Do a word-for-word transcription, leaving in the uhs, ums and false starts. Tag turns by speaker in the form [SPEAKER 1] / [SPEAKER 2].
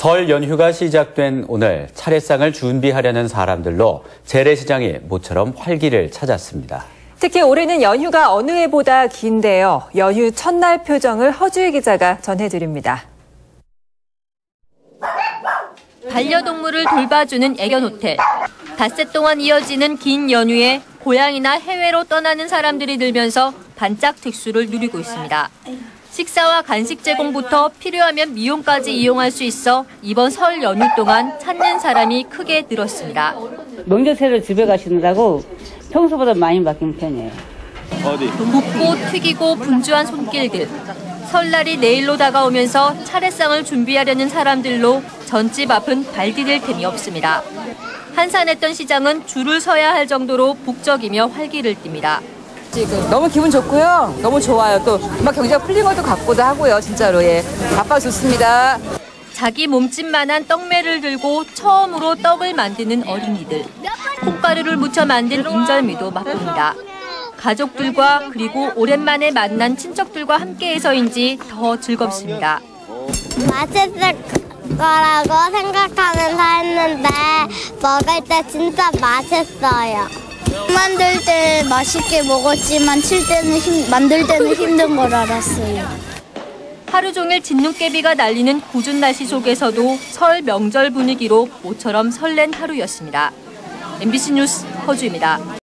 [SPEAKER 1] 설 연휴가 시작된 오늘 차례상을 준비하려는 사람들로 재래시장이 모처럼 활기를 찾았습니다.
[SPEAKER 2] 특히 올해는 연휴가 어느 해보다 긴데요. 연휴 첫날 표정을 허주희 기자가 전해드립니다.
[SPEAKER 3] 반려동물을 돌봐주는 애견호텔. 닷새 동안 이어지는 긴 연휴에 고향이나 해외로 떠나는 사람들이 늘면서 반짝 특수를 누리고 있습니다. 식사와 간식 제공부터 필요하면 미용까지 이용할 수 있어 이번 설 연휴 동안 찾는 사람이 크게 늘었습니다.
[SPEAKER 4] 명절새를 집에 가시느라고 평소보다 많이 바뀐 편이에요.
[SPEAKER 3] 어디? 굽고 튀기고 분주한 손길들. 설날이 내일로 다가오면서 차례상을 준비하려는 사람들로 전집 앞은 발 디딜 틈이 없습니다. 한산했던 시장은 줄을 서야 할 정도로 북적이며 활기를 띱니다.
[SPEAKER 2] 지금 너무 기분 좋고요. 너무 좋아요. 또 막 경제가 풀린 것도 같고도 하고요. 진짜로 예, 바빠 좋습니다.
[SPEAKER 3] 자기 몸집만한 떡매를 들고 처음으로 떡을 만드는 어린이들. 콩가루를 묻혀 만든 인절미도 맛봅니다. 가족들과 그리고 오랜만에 만난 친척들과 함께해서인지 더 즐겁습니다.
[SPEAKER 5] 맛있을 거라고 생각하면서 했는데 먹을 때 진짜 맛있어요. 만들 때 맛있게 먹었지만 칠 때는 힘, 만들 때는 힘든 걸 알았어요.
[SPEAKER 3] 하루 종일 진눈깨비가 날리는 궂은 날씨 속에서도 설 명절 분위기로 모처럼 설렌 하루였습니다. 엠비씨 뉴스 허주입니다.